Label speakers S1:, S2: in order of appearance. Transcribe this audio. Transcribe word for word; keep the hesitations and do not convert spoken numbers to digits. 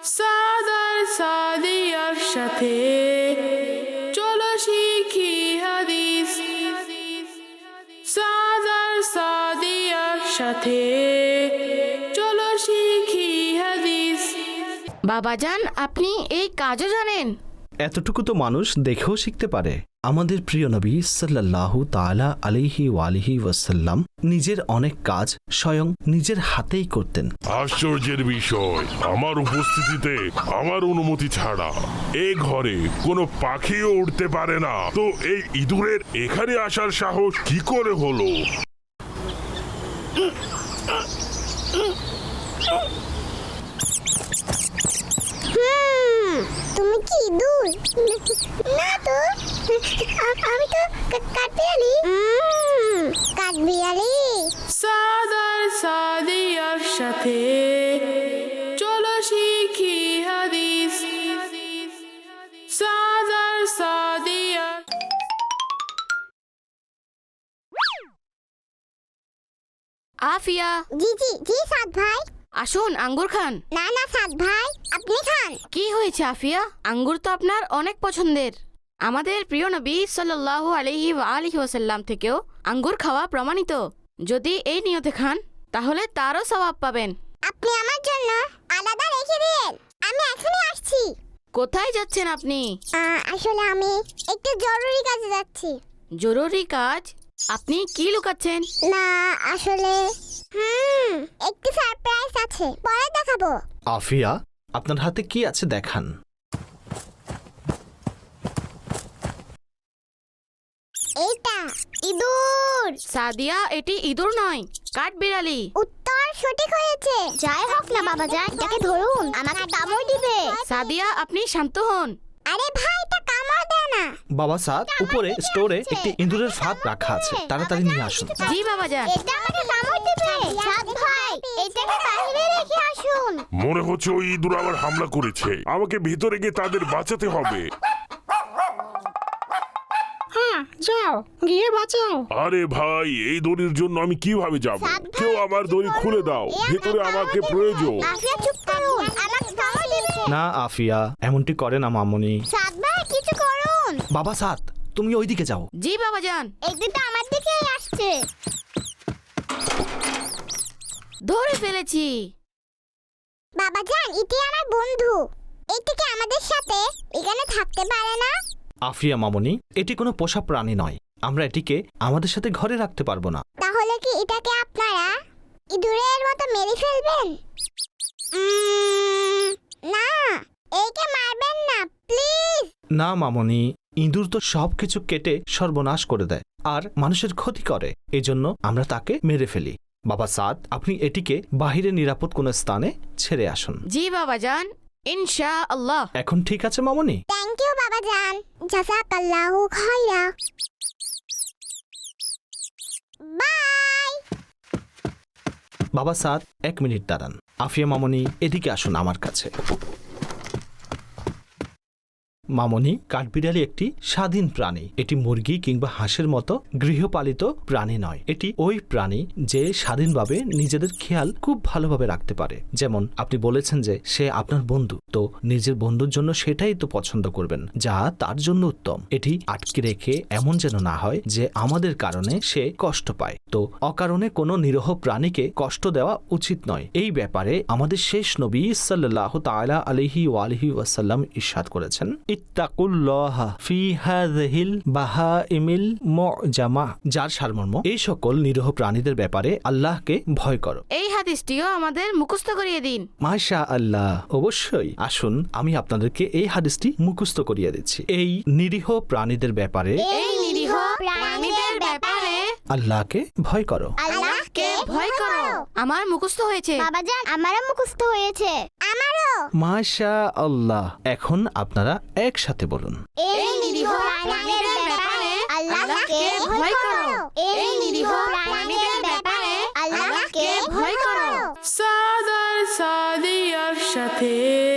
S1: সাদার সাদিয়ার সাথে চলো শিখি হাদিস। সাদার সাদিয়ার সাথে চলো শিখি হাদিস।
S2: বাবাজান, আপনি এই কাজও জানেন?
S3: এতটুকু তো মানুষ দেখেও শিখতে পারে। আমাদের প্রিয় নবী সাল্লাল্লাহু তাআলা আলাইহি ওয়ালিহি ওয়াসাল্লাম নিজের অনেক কাজ স্বয়ং নিজের হাতেই করতেন।
S4: আশ্চর্যের বিষয়, আমার উপস্থিতিতে আমার অনুমতি ছাড়া এ ঘরে কোনো পাখিও উঠতে পারে না, তো এই ইঁদুরের এখানে আসার সাহস কি করে হলো?
S5: তুমি কি ইঁদুর? না তো, আমি তো কাঠবিড়ালি। কাঠবিড়ালি।
S1: সাদার সাদিয়ার সাথে চলো শিখি হাদিস। সাদার সাদিয়া।
S2: আফিয়া,
S5: জি জি জি সাদ ভাই।
S2: আসুন আঙ্গুর খান।
S5: না না সাদ ভাই, আপনি খান।
S2: কি হয়েছে আফিয়া? আঙ্গুর তো আপনার অনেক পছন্দের। আমাদের প্রিয় নবী সাল্লাল্লাহু আলাইহি ওয়ালিহি ওয়াসাল্লাম থেকেও আঙ্গুর খাওয়া প্রমাণিত। যদি এই নিয়তে খান তাহলে তারও সওয়াব পাবেন।
S5: আপনি আমার জন্য আলাদা রেখে দিন, আমি এখনই আসছি।
S2: কোথায় যাচ্ছেন আপনি?
S5: আহ, আসলে আমি একটু জরুরি কাজে যাচ্ছি।
S2: জরুরি কাজ? আপনি কি লুকাচ্ছেন?
S5: না আসলে হুম একটু সারপ্রাইজ আছে, পরে দেখাবো।
S3: আফিয়া, আপনার হাতে কি আছে দেখান।
S5: এইটা ইঁদুর।
S2: সাদিয়া, এটি ইঁদুর নয়, কাঠবিড়ালি।
S5: উত্তর সঠিক হয়েছে। যাই হোক না বাবা যান, এটাকে ধরুন, আমাকে কামড় দিবে।
S2: সাদিয়া, আপনি শান্ত হন।
S5: আরে ভাই, এটা কামড় দেয় না।
S3: বাবা সাদ, উপরে স্টোরে একটি ইঁদুরের ফাঁদ রাখা আছে, তাড়াতাড়ি নিয়ে আসুন।
S2: জি বাবাজান।
S5: এটা আমাকে কামড় দিবে। সাদ ভাই, এটাকে বাইরে রেখে আসুন।
S4: মনে হচ্ছে ওই ইঁদুর আবার হামলা করেছে, আমাকে ভিতরে গিয়ে তাদের বাঁচাতে হবে।
S6: যাও গিয়ে বাঁচাও।
S4: আরে ভাই, এই দড়ির জন্য আমি কিভাবে যাব?
S5: সাদ ভাই,
S4: কেউ আমার দড়ি খুলে দাও,
S5: এ
S4: ভেতরে আমাকে
S5: কামড়
S4: প্রয়োজন।
S5: দেবে। আফিয়া চুপ করুন, আমাকে কামড় দিবে।
S3: না আফিয়া, এমনটি করে না মামুনি।
S5: সাদ ভাই কিছু করুন।
S3: বাবা সাদ, তুমি ওইদিকে যাও।
S2: জি বাবাজান।
S5: এই দুটো আমার দিকেই আসছে।
S2: ধরে ফেলেছি।
S5: বাবা জান, এটি আমার বন্ধু। এটিকে আমাদের সাথে এখানে থাকতে পারে না।
S3: আফিয়া মামুনি, এটি কোনো পোষা প্রাণী নয়, আমরা এটিকে আমাদের সাথে ঘরে রাখতে পারবো না।
S5: তাহলে কি এটাকে আপনারা ইঁদুরের মতো মেরে ফেলবেন? উম, না, একে মারবেন না প্লিজ।
S3: না মামুনি, ইঁদুর তো সবকিছু কেটে সর্বনাশ করে দেয় আর মানুষের ক্ষতি করে, এজন্য আমরা তাকে মেরে ফেলি। বাবা সাদ, আপনি এটিকে বাহিরে নিরাপদ কোনো স্থানে ছেড়ে আসুন।
S2: জি বাবাজান, ইনশাআল্লাহ।
S3: এখন ঠিক আছে মামুনি?
S5: থ্যাংক ইউ বাবা জান, জাযাকাল্লাহু খায়রা। বাই।
S3: বাবা সাদ, এক মিনিট দাঁড়ান। আফিয়া মামুনি, এদিকে আসুন আমার কাছে। মামুনি, কাঠবিড়ালি একটি স্বাধীন প্রাণী। এটি মুরগি কিংবা হাঁসের মতো গৃহপালিত প্রাণী নয়। এটি ওই প্রাণী যে স্বাধীনভাবে নিজেদের খেয়াল খুব ভালোভাবে রাখতে পারে। যেমন আপনি বলেছেন যে সে আপনার বন্ধু, তো নিজের বন্ধুর জন্য সেটাই তো পছন্দ করবেন যা তার জন্য উত্তম। এটি আটকে রেখে এমন যেন না হয় যে আমাদের কারণে সে কষ্ট পায়। তো অকারণে কোনো নিরীহ প্রাণীকে কষ্ট দেওয়া উচিত নয়। এই ব্যাপারে আমাদের শেষ নবী সাল্লাল্লাহু তাআলা আলাইহি ওয়ালিহি ওয়াসাল্লাম ইরশাদ করেছেন, ইত্তাকুল্লাহা ফি হাযিহিল বাহাইমিল মুজামা, যার সারমর্ম এই সকল নিরীহ প্রাণীদের ব্যাপারে আল্লাহকে ভয় করো।
S2: এই হাদিসটিও আমাদের মুখস্থ করিয়ে দিন।
S3: মাশা আল্লাহ, অবশ্যই। আসুন আমি আপনাদেরকে এই হাদিসটি মুখস্থ করিয়ে দিচ্ছি। এই নিরীহ প্রাণীদের ব্যাপারে
S2: এই নিরীহ প্রাণীদের ব্যাপারে
S3: আল্লাহকে ভয় করো।
S5: আল্লাহকে
S2: ভয় করো। আমার মুখস্থ হয়েছে।
S5: বাবা জান, আমারও মুখস্থ হয়েছে। আমারও।
S3: মাশা আল্লাহ। এখন আপনারা একসাথে বলুন,
S5: এই নিরীহ প্রাণীদের ব্যাপারে আল্লাহকে ভয় করো। এই নিরীহ প্রাণীদের ব্যাপারে আল্লাহকে ভয় করো।
S1: সাদার সাদিয়ার সাথে